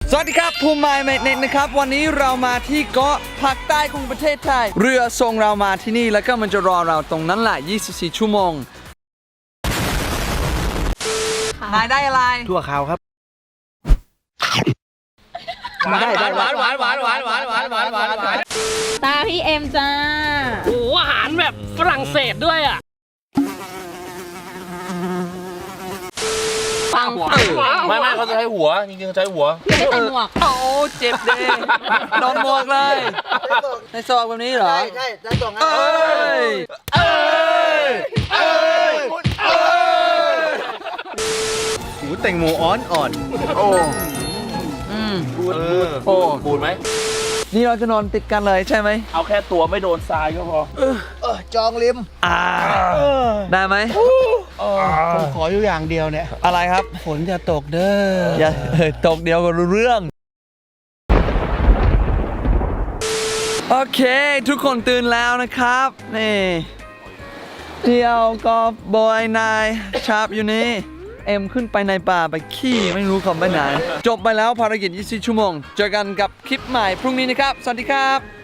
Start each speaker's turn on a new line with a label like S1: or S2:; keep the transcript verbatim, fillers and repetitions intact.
S1: สวัสดีครับภูมิไมล์เมกเน็ตนะครับวันนี้เรามาที่เกาะภาคใต้ของประเทศไทยเรือส่งเรามาที่นี่แล้วก็มันจะรอเราตรงนั้นแหละยี่สิบสี่ชั่วโมงนายได้อะไร
S2: ถั่วขาวครับหวานหวานหวานหวานหวานหวานหวานหวานหวานหวานหวาน
S3: ตาพี่เอ็มจ้า
S4: โอ้อาหารแบบฝรั่งเศสด้วยอ่ะ
S3: ฟัง
S2: ไม่ไม่เขาจะใช้หัวจริงๆใช้หัว
S3: ไม่ใส่หมวก
S1: โอ้เจ็บเด้โดนหมวกเลยในซอกแบบนี้เหรอ
S5: ใช่ใช่ในซอกนั้น
S1: เอ้ยเอ้ยเอ้ยเอ้ย
S2: หูแตงโมอ่อนอ่อน
S1: โอ้อืม
S2: บูด
S1: โอ้
S2: บูดไหม
S1: นี่เราจะนอนติดกันเลยใช่ไหม
S2: เอาแค่ตัวไม่โดนทรายก็พอ
S5: เออจองริม
S1: อ่าได้ไหม
S5: ผมขออยู่อย่างเดียวเนี่ย
S1: อะไรครับ
S5: ฝนจะตกเด้อ
S1: อย่าตกเดียวก็รู้เรื่องโอเคทุกคนตื่นแล้วนะครับนี่เที่ยวกอล์ฟบอยนายชาร์ปอยู่นี่เอ็มขึ้นไปในป่าไปขี้ไม่รู้เขาไปไหนจบไปแล้วภารกิจยี่สิบสี่ชั่วโมงเจอกันกับคลิปใหม่พรุ่งนี้นะครับสวัสดีครับ